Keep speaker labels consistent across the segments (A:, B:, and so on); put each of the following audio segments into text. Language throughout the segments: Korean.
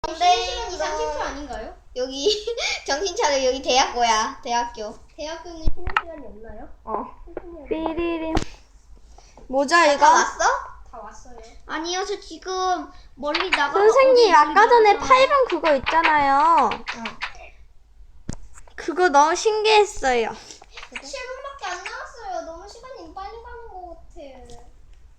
A: 시간 이상 10초 아닌가요?
B: 여기 정신 차려. 여기 대학교야. 대학교.
A: 대학교는 쉬는 시간이 없나요?
C: 삐리림. 뭐죠
B: 다
C: 이거?
B: 왔어?
A: 다 왔어요. 아니요, 저 지금 멀리 나가.
C: 선생님 아까 전에 8번 그거 있잖아요. 그거 너무 신기했어요.
A: 7분밖에 안 남았어요. 너무 시간이 빨리 가는 것 같아.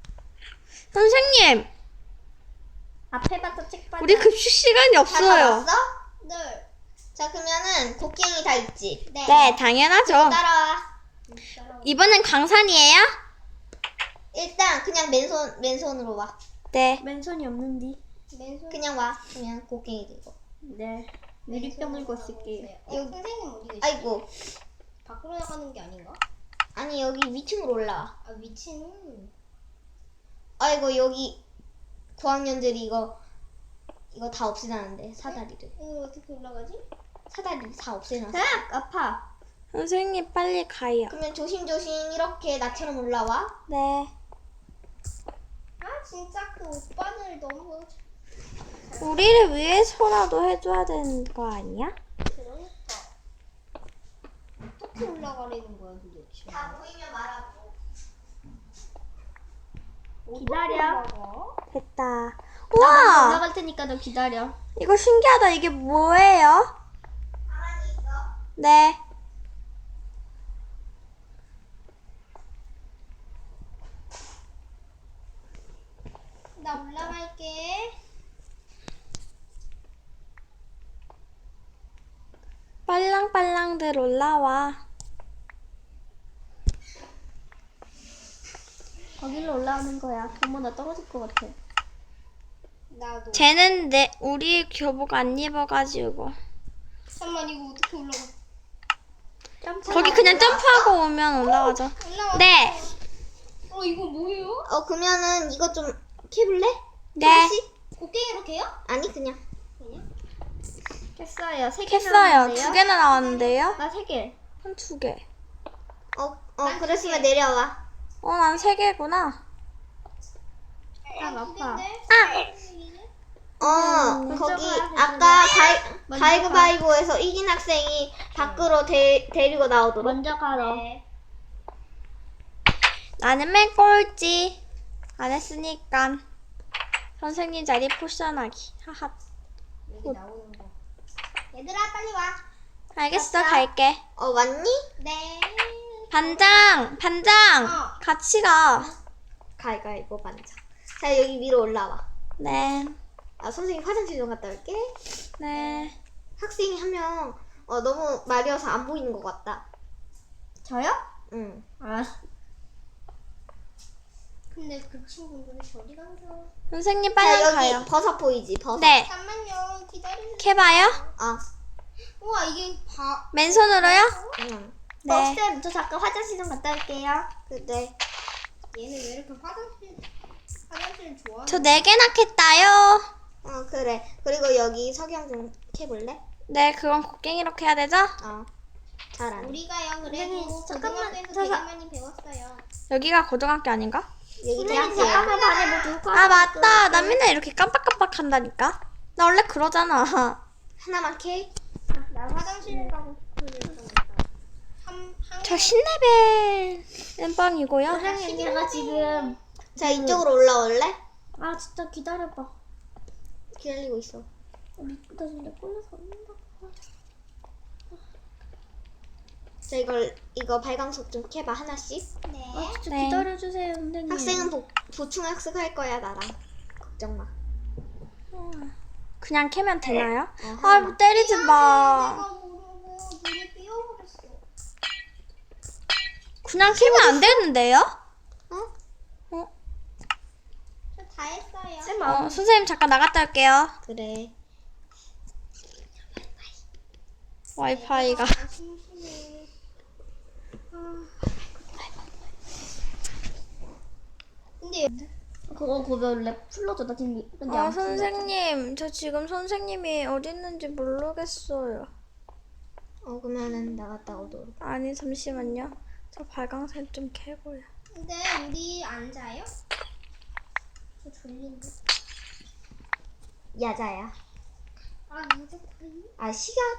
C: 선생님
A: 앞에 봤던 책 봐.
C: 우리 급식 시간이
B: 다
C: 없어요.
B: 왔어?
A: 네.
B: 자, 그러면은 곡괭이 다 있지?
C: 네 당연하죠.
B: 따라와.
C: 이번엔 광산이에요?
B: 일단 그냥 맨손으로 와.
C: 네.
A: 맨손이 없는디. 맨손.
B: 그냥 와. 그냥 곡괭이 들고.
A: 네. 유리병 들고 있을게요.
B: 여기-
A: 선생님 어디 계세요?
B: 아이고.
A: 밖으로 나가는 게 아닌가?
B: 아니, 여기 위층으로 올라와.
A: 아, 위치는.
B: 아이고, 여기 9학년들이 이거 다 없애놨는데, 사다리를.
A: 이거 어떻게 올라가지?
B: 사다리 다 없애놨어.
A: 아파.
C: 선생님 빨리 가요.
B: 그러면 조심조심 이렇게 나처럼 올라와.
C: 네.
A: 아, 진짜 그 오빠들 너무.
C: 우리를 위해서라도 해줘야 되는 거 아니야?
A: 그러니까. 어떻게 올라가려는 거야, 도대체?
B: 다 보이면 말하고.
A: 기다려.
C: 됐다.
A: 나
C: 우와!
A: 올라갈 테니까 너 기다려.
C: 이거 신기하다. 이게 뭐예요?
B: 가만히 있어.
C: 네.
A: 나 올라갈게.
C: 빨랑빨랑들 올라와.
A: 거기로 올라오는 거야. 어머, 나 떨어질 것 같아. 나도.
C: 쟤는 우리 교복 안 입어가지고.
A: 잠깐만, 이거 어떻게 올라가?
C: 거기 그냥 점프하고 오면 올라가죠.
A: 올라와.
C: 네.
A: 이거 뭐예요?
B: 그러면은 이거 좀 캐볼래?
C: 네.
B: 하나씩?
A: 곡괭이로 개요?
B: 아니, 그냥.
A: 깼어요. 3개
C: 캤어요. 2개나 나왔는데요?
A: 나 3개.
C: 한 2개.
B: 그랬으면 내려와.
C: 난 3개구나.
A: 딱 아파.
B: 거기
A: 그쪽으로
B: 아까
A: 먼저
B: 가위바위보에서 이긴 학생이 밖으로 데리고 나오도록.
A: 먼저 가라.
C: 나는 맨 꼴찌. 안 했으니까. 선생님 자리 포션하기. 하하.
A: 여기 나오는 거. 얘들아, 빨리 와.
C: 알겠어, 갈게.
B: 왔니?
A: 네.
C: 반장! 같이 가.
B: 가위바위보 반장. 자, 여기 위로 올라와.
C: 네.
B: 선생님 화장실 좀 갔다 올게.
C: 네.
B: 학생이 한 명 너무 마려워서 안 보이는 것 같다.
A: 저요?
B: 응.
A: 아. 근데 그 친구들이 저리 가서.
C: 선생님
B: 자,
C: 빨리
B: 여기
C: 가요.
B: 버섯 보이지? 버섯.
C: 네.
A: 잠만요. 기다리세요.
C: 캐봐요?
A: 우와, 이게
C: 맨손으로요?
B: 응.
C: 네.
A: 쌤, 저 잠깐 화장실 좀 갔다 올게요.
B: 그래.
A: 얘는 왜 이렇게 화장실 좋아?
C: 저 4개나 캤다요.
B: 그래. 그리고 여기 석영 좀 캐볼래?
C: 네, 그건 곡괭이로 해야 되죠?
B: 잘하네.
A: 우리가요, 그래도
C: 잠깐만,
A: 고등학교에서 되게 많이 배웠어요.
C: 여기가 고등학교 아닌가?
B: 여기
A: 선생님,
B: 대학교야.
A: 잠깐만 반에 뭐 들고
C: 아, 맞다. 나 맨날 이렇게 깜빡깜빡 한다니까. 나 원래 그러잖아.
B: 하나만 캐.
A: 나 화장실 가고 싶으니까.
C: 저 10레벨 땜빵이고요.
A: 선생님, 제가 지금
B: 자, 이쪽으로 올라올래?
A: 진짜 기다려봐.
B: 기다리고 있어.
A: 나 진짜 꼴려서 없는다.
B: 자, 이거 발광석 좀 캐봐, 하나씩.
A: 네. 진짜
C: 네.
A: 기다려주세요, 선생님.
B: 학생은 보충학습할 거야, 나랑. 걱정 마.
C: 그냥 캐면 되나요?
B: 하나만.
C: 뭐 때리지 마.
A: 내가 모르고 눈이 삐어버렸어.
C: 그냥 캐면 안 되는데요?
A: 저 다 했어요.
C: 선생님 잠깐 나갔다 올게요.
B: 그래.
C: 와이파이가.
A: 심심해. 근데 그거 원래 풀러줘. 나 지금 근데 안 풀려.
C: 선생님. 저 지금 선생님이 어디 있는지 모르겠어요.
B: 그러면은 나갔다 오도록.
C: 아니, 잠시만요. 저 발광색 좀 캐고요.
A: 근데 우리 안 자요? 저 졸린데.
B: 야자야. 아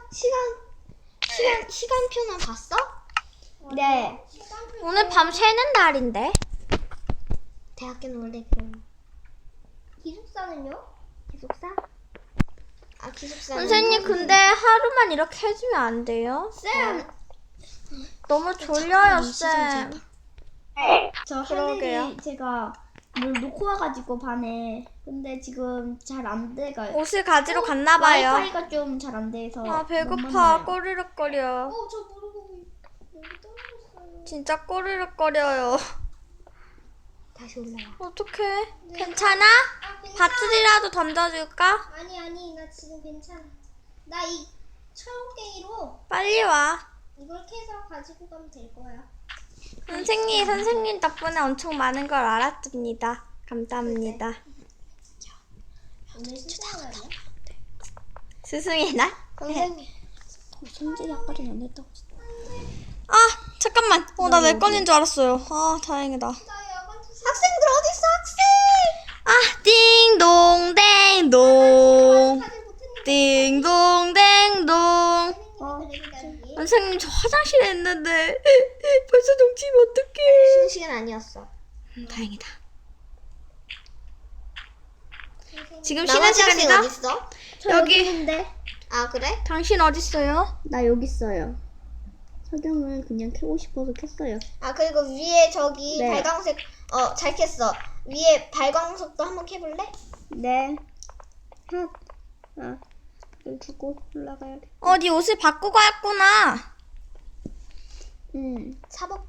B: 시간표는 봤어?
A: 네.
C: 오늘 밤 새는 날인데.
B: 대학교는 원래 그런
A: 기숙사는요?
B: 기숙사? 아 기숙사.
C: 선생님 근데 하루만 이렇게 해주면 안 돼요?
A: 쌤!
C: 너무 졸려요 쌤.
A: 저
C: 그러게요.
A: 하늘이 제가 뭘 놓고 와가지고 반에. 근데 지금 잘 안 돼가요.
C: 옷을 가지러 갔나 봐요.
A: 와이파이가 좀 잘 안 돼서.
C: 아
A: 못
C: 배고파.
A: 만나요.
C: 꼬르륵거려.
A: 저 모르고 여기 떨어졌어요.
C: 진짜 꼬르륵거려요.
B: 다시 올라와.
C: 어떡해? 괜찮아? 밧줄이라도 던져줄까?
A: 아니 나 지금 괜찮아. 나 이 철곡갱이로
C: 빨리 와.
A: 이걸 캐서 가지고 가면 될 거야.
C: 선생님 덕분에 엄청 많은 걸 알았습니다. 감사합니다.
A: 오늘 스승의 날이야?
C: 스승의 날?
B: 선생님.
A: 성질이 아까 전에 안 했다고.
C: 아 잠깐만. 나 내 건인 줄 알았어요. 아 다행이다.
B: 학생들 어딨어 학생?
C: 아 띵동댕동 띵동댕동. 선생님 저 화장실에 있는데 벌써 동치면 어떡해.
B: 쉬는 시간 아니었어.
C: 다행이다. 지금 쉬는
B: 나머지 학생
C: 시간이다.
B: 어딨어?
C: 여기.
A: 있는데.
B: 아 그래?
C: 당신 어딨어요?
A: 나 여기 있어요. 석영을 그냥 켜고 싶어서 켰어요.
B: 아 그리고 위에 저기
A: 네.
B: 발광색 잘 켰어. 위에 발광석도 한번 켜볼래?
A: 네. 이걸 두고 올라가야 돼.
C: 네 옷을 바꾸고 왔구나.
B: 사복?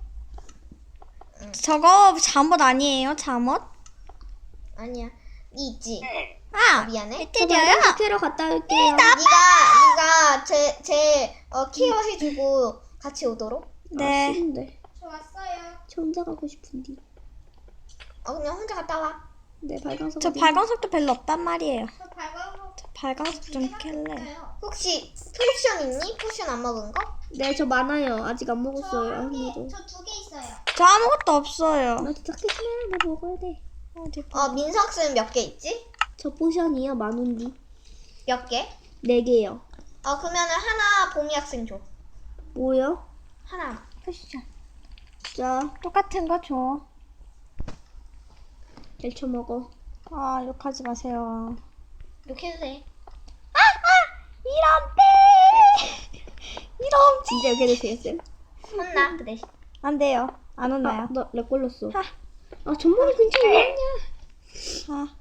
C: 저거 잠옷 아니에요? 잠옷?
B: 아니야. 니 있지?
C: 아
B: 미안해.
C: 때려요?
A: 학교로 갔다 올게요.
B: 네가 제 케어해주고 같이 오도록.
C: 네.
A: 싫은데.
B: 저 왔어요.
A: 저 혼자 가고 싶은데.
B: 그냥 혼자 갔다 와.
A: 네, 발광석.
C: 저 발광석도 별로 없단 말이에요.
B: 저 발광석.
C: 저 발광석 좀 켤래.
B: 혹시 포션 있니? 포션 안 먹은 거?
A: 네, 저 많아요. 아직 안 먹었어요. 아무도.
B: 저 2개 있어요.
C: 저 아무것도 없어요.
A: 나 진짜 크지마. 나 먹어야 돼.
C: 어디
B: 민서 학생은 몇 개 있지?
A: 저 포션이요. 만원디.
B: 몇 개?
A: 4개요.
B: 그러면은 하나 봄이 학생 줘.
A: 뭐요?
B: 하나.
C: 쿠션.
A: 자,
C: 똑같은 거 줘.
A: 잘 쳐먹어.
C: 아 욕하지 마세요.
B: 이렇게 해도 돼.
C: 이런 이런
A: 진짜 여기 되세요, 쌤?
B: 혼나 그 대신.
C: 안 돼요. 안 혼나요.
A: 너렉 걸렸어.
C: 하.
A: 전문이 근처에 왜 있냐?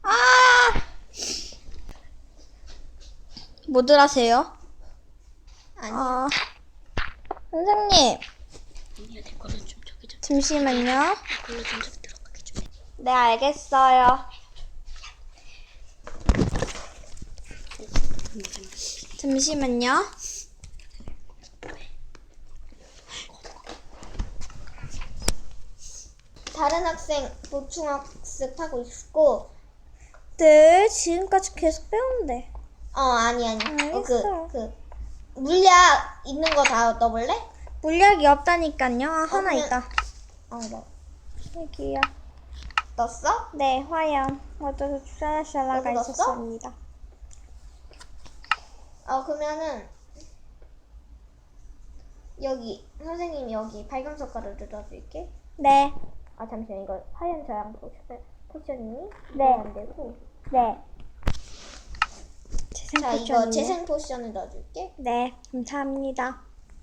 C: 뭐들 하세요?
B: 아니.
C: 선생님.
A: 언니가 내 거는 좀 저기 좀.
C: 잠시만요.
A: 걸로 좀 저기 들어가게 좀 해.
C: 네, 알겠어요. 잠시만요.
B: 다른 학생 보충학습 하고 있고.
C: 네, 지금까지 계속 배우는데.
B: 아니.
C: 알겠어요.
B: 물약 있는 거 다 넣어볼래?
C: 물약이 없다니까요. 하나
B: 그냥-
C: 있다.
B: 뭐.
C: 여기요.
B: 넣었어?
C: 네, 화염. 어쩌서 샤라샤라가
B: 여기 넣었어?
C: 있었습니다.
B: 그러면은 여기 선생님이 여기 발광석 가루를 넣어줄게.
C: 네,
B: 잠시만 이거 화염 저항 포션이니?
C: 네.
B: 안 되고.
C: 네.
B: 자 이거 재생 포션을 넣어줄게.
C: 네, 감사합니다.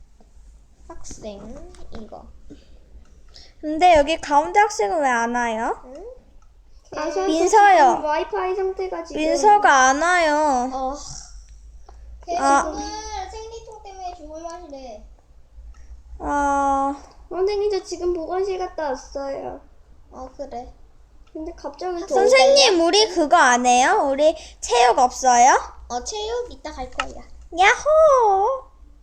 B: 학생 이거.
C: 근데 여기 가운데 학생은 왜 안 와요?
B: 응?
C: 민서요.
A: 와이파이 상태가 지금.
C: 민서가 안 와요.
B: 걔
C: 아.
B: 오늘 생리통 때문에 죽을 맛이래.
A: 선생님 저 지금 보건실 갔다 왔어요.
B: 그래.
A: 근데 갑자기
C: 선생님, 우리 그거 안 해요? 우리 체육 없어요?
B: 체육 이따 갈 거야.
C: 야호!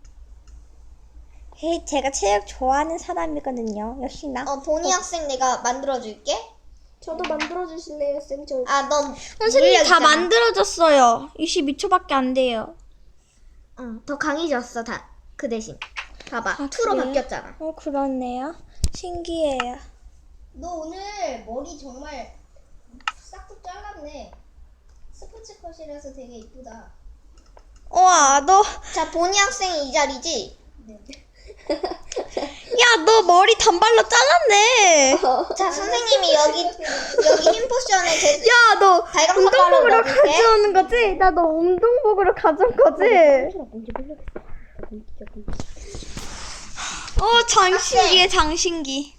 C: 헤이, 제가 체육 좋아하는 사람이거든요. 역시나.
B: 보니 학생 내가 만들어줄게.
A: 저도 만들어 주실래요, 쌤? 저
B: 넌
C: 선생님 다
B: 있잖아.
C: 만들어졌어요. 22초밖에 안 돼요.
B: 더 강해졌어 다. 그 대신 봐봐. 2로
C: 그래요?
B: 바뀌었잖아.
C: 그렇네요. 신기해요.
A: 너 오늘 머리 정말 싹둑 잘랐네. 스포츠 컷이라서 되게 이쁘다.
C: 우와, 너,
B: 자, 보니 학생이 이 자리지?
C: 야, 너 머리 단발로 잘랐네.
B: 자, 선생님이 여기 흰 포션에
C: 야, 너
B: 발광 석가루
C: 운동복으로
B: 넣어줄게.
C: 가져오는 거지? 나 너 운동복으로 가져온 거지? 장신기에 장신기.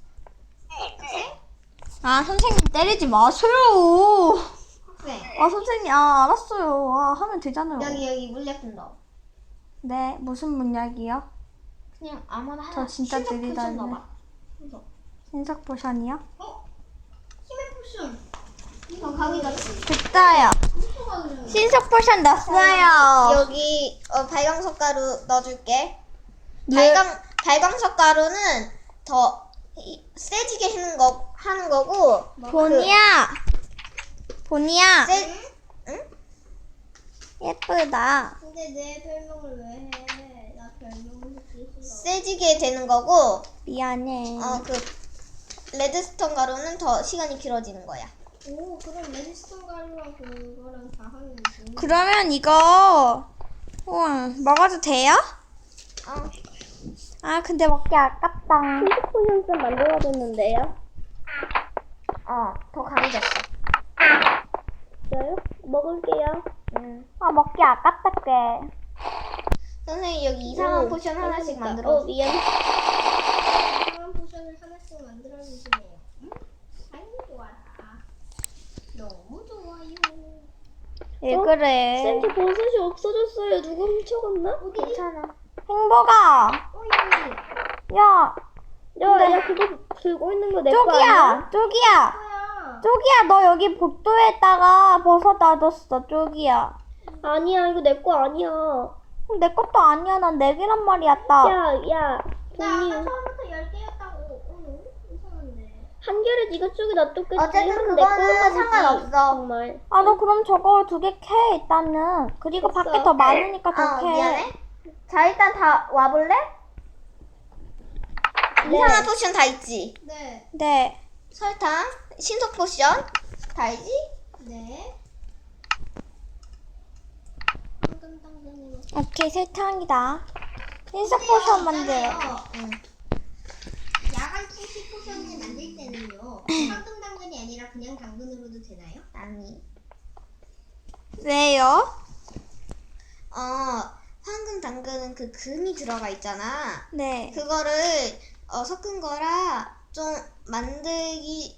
C: 아, 선생님 때리지 마세요.
B: 학생.
C: 아, 선생님, 알았어요. 하면 되잖아요.
B: 여기 물약품 넣어.
C: 네, 무슨 문약이요?
B: 그냥 아무나 하나.
C: 저 진짜
B: 신속 포션
C: 느리다네.
B: 넣어봐. 신속.
C: 신석 포션이요?
B: 힘의 포션. 이거 강의같이.
C: 됐다요. 신석 포션 넣었어요.
B: 여기 발광 석가루 넣어줄게.
C: 네.
B: 발광 석가루는 더 세지게 하는 거고.
C: 보니야. 보니야.
B: 응?
C: 예쁘다.
A: 근데 내 별명을 왜 해? 나 별명 듣기 싫어.
B: 세지게 되는 거고.
C: 미안해.
B: 그 레드스톤 가루는 더 시간이 길어지는 거야.
A: 오, 그럼 레지스톤 가루랑 그거랑 다 하면 돼.
C: 그러면 이거 먹어도 돼요? 근데 먹기 아깝다.
A: 신속 포션 좀 만들어줬는데요?
B: 더 강해졌어.
A: 진짜요? 먹을게요.
C: 먹기 아깝다 꽤.
B: 선생님 여기 이상한 포션 하나씩 만들어.
A: 미안. 이상한 포션을 하나씩 만들어주시네요. 아유, 좋아라. 너무 좋아요.
C: 왜 그래?
A: 쌤, 저 버섯이 없어졌어요. 누가 훔쳐갔나?
B: 괜찮아.
C: 행복아.
A: 여기.
C: 야,
A: 야, 그거 들고 있는 거 내 거 아니야?
C: 쪽이야.
A: 뭐야?
C: 쪽이야, 너 여기 복도에다가 버섯 놔뒀어, 쪽이야.
A: 아니야, 이거 내 거 아니야.
C: 내 것도 아니야, 난 내 개란 말이야, 딱.
A: 야,
B: 나
A: 본이
B: 아까
A: 처음부터 10개였다고. 이상한데. 한결에 네가 쪽에 놔뒀겠지.
B: 어쨌든
A: 이건
B: 그거는
A: 내 거야,
B: 상관없어.
A: 정말.
C: 너 그럼 저거 2개 캐, 일단은. 그리고
A: 됐어.
C: 밖에 더 많으니까 더 캐.
B: 미안해. 자, 일단 다 와볼래? 이상한 포션 다 있지?
A: 네.
C: 네.
B: 설탕, 신속 포션 다 있지?
A: 네. 당근당근으로.
C: 오케이, 설탕이다. 신석 포션 만들어.
B: 응.
A: 야간 통치 포션을 만들 때는요. 황금 당근이 아니라 그냥 당근으로도 되나요?
B: 아니.
C: 왜요?
B: 황금 당근은 그 금이 들어가 있잖아.
C: 네.
B: 그거를 섞은 거라 좀 만들기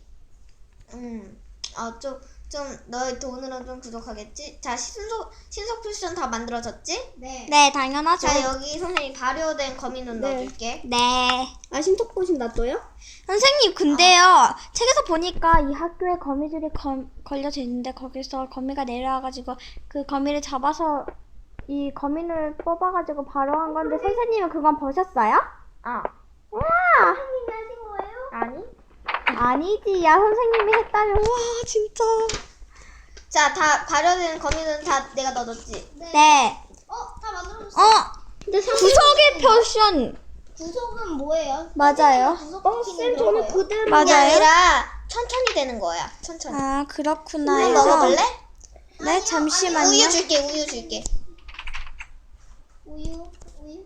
B: 좀 너의 돈으로는 좀 부족하겠지? 자, 신속 포션 다 만들어졌지?
A: 네.
C: 네, 당연하죠.
B: 자, 여기 선생님 발효된 거미눈
A: 네.
B: 넣어줄게.
C: 네.
A: 아, 신속 포션 놔둬요?
C: 선생님, 근데요, 책에서 보니까 이 학교에 거미줄이 걸려져 있는데, 거기서 거미가 내려와가지고, 그 거미를 잡아서, 이 거미를 뽑아가지고 발효한 건데, 선생님은 그건 보셨어요? 와!
A: 선생님이 하신 거예요?
B: 아니?
C: 아니지, 야, 선생님이 했다면, 와, 진짜.
B: 자, 다 발효된 거미눈 다 내가 넣어줬지?
C: 네.
A: 다 만들어줬어요.
B: 근데
C: 구석의 표션.
A: 구속은 뭐예요?
C: 맞아요.
A: 쌤, 저는 그대로.
B: 그게
C: 맞아요?
B: 아니라 천천히 되는 거야. 천천히.
C: 그렇구나요.
B: 먹어볼래?
C: 네, 잠시만요.
B: 우유 줄게.
A: 우유.